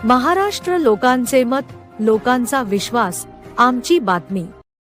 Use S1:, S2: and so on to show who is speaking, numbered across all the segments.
S1: महाराष्ट्र लोकांचे मत, लोकांचा विश्वास, आमची बातमी।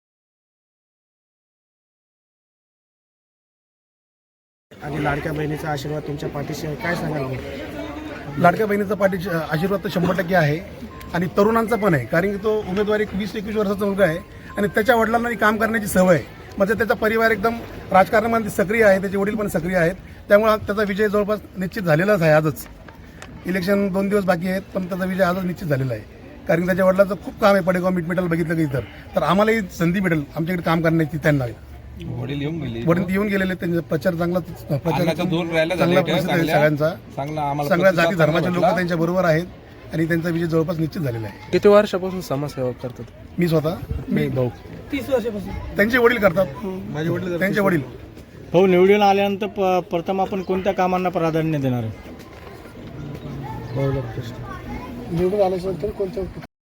S2: आणि लाडक्या बहिणीचा आशीर्वाद तुमच्या पाठीशी आहे, काय सांगाल?
S3: लाडक्या बहिणीचा पाठीशी आशीर्वाद तर 100% आहे आणि तरुणांचा पण आहे, कारण की तो उमेदवार 20-21 वर्षाचा मुलगा आहे आणि त्याच्या वडिलांना काम करण्याची सवय आहे। म्हणजे त्याचा परिवार एकदम राजकारणामध्ये सक्रिय आहे, त्याचे वडील पण सक्रिय आहेत, त्यामुळे त्याचा विजय जवळपास निश्चित झालेलाच आहे। आजच इलेक्शन 2 दिवस बाकी आहेत, पण त्याचा विजय आजच निश्चित झालेला आहे, कारण त्याच्या वडिलांचं खूप काम आहे। पडेगाव मिटमिटाला बघितलं की तर आम्हालाही संधी मिळेल आमच्याकडे काम करण्याची। त्यांना वडील येऊन गेलेले, त्यांचा प्रचार चांगला प्रसिद्ध आहे सगळ्यांचा, सगळ्या जाती धर्माचे लोक त्यांच्या बरोबर आहेत आणि त्यांचा विजय जवळपास निश्चित झालेला आहे।
S4: किती वर्षापासून समाजसेवा करतात?
S3: मी स्वतः भाऊ
S2: 30 वर्षापासून
S3: त्यांचे वडील करतात, माझे वडील त्यांचे वडील।
S2: भाऊ निवडून आल्यानंतर प्रथम आपण कोणत्या कामांना प्राधान्य देणार आहे? निवडून आल्यानंतर कोणत्या?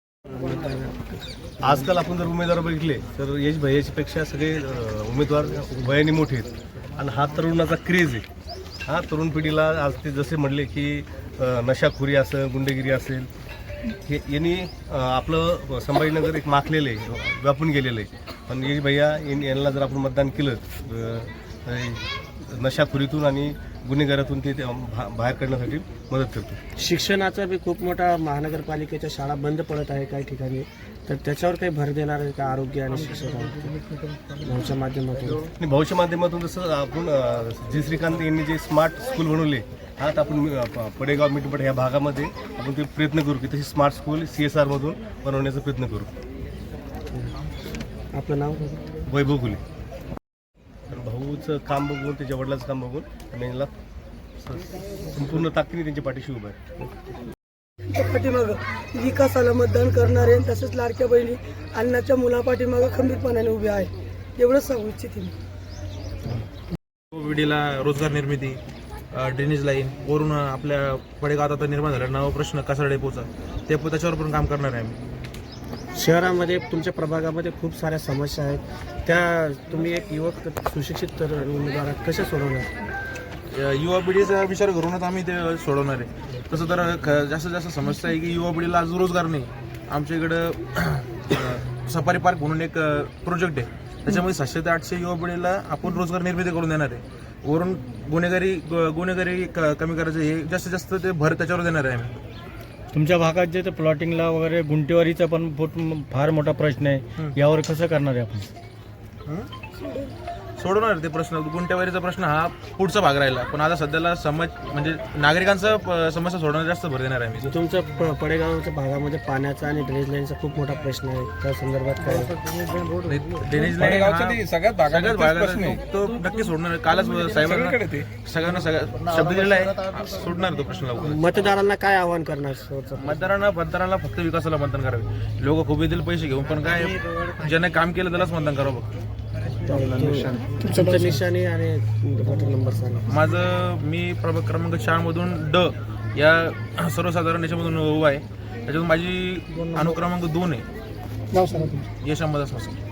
S5: आजकाल आपण जर उमेदवार बघितले तर यश भैयापेक्षा सगळे उमेदवार वयाने मोठे आहेत आणि हा तरुणाचा क्रेज आहे। हा तरुण पिढीला आज ते जसे म्हणले की नशाखोरी असेल, गुंडगिरी असेल, हे यांनी आपलं संभाजीनगर एक माखलेलं आहे, व्यापून गेलेलं आहे। पण यश भैया यांना जर आपण मतदान केलं नशाखोरीतून आणि गुन्हेगारातून ते बाहेर काढण्यासाठी मदत करतो।
S2: शिक्षणाचा बी खूप मोठा महानगरपालिकेच्या शाळा बंद पडत आहे काही ठिकाणी, तर त्याच्यावर काही भर देणार आहे का? आरोग्य आणि शिक्षण भाऊच्या माध्यमातून?
S5: भाऊच्या माध्यमातून जसं आपण जी श्रीकांत यांनी जे स्मार्ट स्कूल बनवले, हा तर आपण पडेगाव मिटपट ह्या भागामध्ये आपण ते प्रयत्न करू की तशी स्मार्ट स्कूल CSR मधून बनवण्याचा प्रयत्न करू।
S2: आपलं नाव?
S5: वैभव गुले। भाऊचं काम बघून, त्याच्या वडिलांचं काम बघून आणि यांना संपूर्ण ताकदीने त्यांच्या पाठीशी उभं आहे।
S6: पाठीमागं विकासाला मतदान करणारे तसेच लाडक्या बहिणी अन्नाच्या मुलापाठीमागं खंबीरपणाने उभे आहे, एवढंच सांगू इच्छिते मी।
S4: विडीला रोजगार निर्मिती, ड्रेनेज लाईन वरून आपल्या पडेगावात आता निर्माण झाला नवा प्रश्न कचरा डेपोचा, त्याच्यावर पण काम करणार आहे आम्ही।
S2: शहरामध्ये तुमच्या प्रभागामध्ये खूप साऱ्या समस्या आहेत, त्या तुम्ही एक युवक सुशिक्षित तर उमेदवार कशा सोडवणार?
S4: युवा पिढीचा विचार करूनच आम्ही ते सोडवणार आहे। तसं तर जास्तीत जास्त समस्या आहे की युवा पिढीला आज रोजगार नाही। आमच्या इकडं सफारी पार्क म्हणून एक प्रोजेक्ट आहे, त्याच्यामध्ये 700 ते 800 युवा पिढीला आपण रोजगार निर्मिती करून देणार आहे। वरून गुन्हेगारी कमी करायचं, हे जास्तीत जास्त ते भर त्याच्यावर देणार आहे आम्ही।
S2: तुमच्या भागात जे प्लॉटिंगला वगैरे गुंटेवारीचा पण फार मोठा प्रश्न आहे, यावर कसं करणार आहे आपण?
S4: सोडवणार ते प्रश्न। गुंटेवारीचा प्रश्न हा पुढचा भाग राहिला, पण आता सध्याला म्हणजे नागरिकांचा समस्या सोडवण्यात जास्त भर देणार आहे मी।
S2: तुमच्या पडेगावच्या भागामध्ये पाण्याचा आणि ड्रेनेज लाईनचा खूप मोठा प्रश्न आहे, त्या संदर्भात काय?
S4: ड्रेनेज लाईन सगळ्यात भागात तो नक्की सोडणार। कालच साहेबांना सगळ्यांना शब्द दिलेला आहे, सोडणार तो प्रश्न लवकर।
S2: मतदारांना काय आवाहन करणार?
S4: मतदारांना फक्त विकासाला मतदान करावे। लोक खूप येतील पैसे घेऊन, पण काय ज्याने काम केलं त्यालाच मतदान करावं फक्त।
S2: तुमचं निशाणी आणि नंबर सांगा।
S4: माझं मी प्रभाग क्रमांक 4 मधून D या सर्वसाधारण याच्यामधून उभा आहे। त्याच्यातून माझी अनुक्रमांक 2 आहे।
S6: नाव सांगा तुमचं?
S4: यश अंबादास वासम।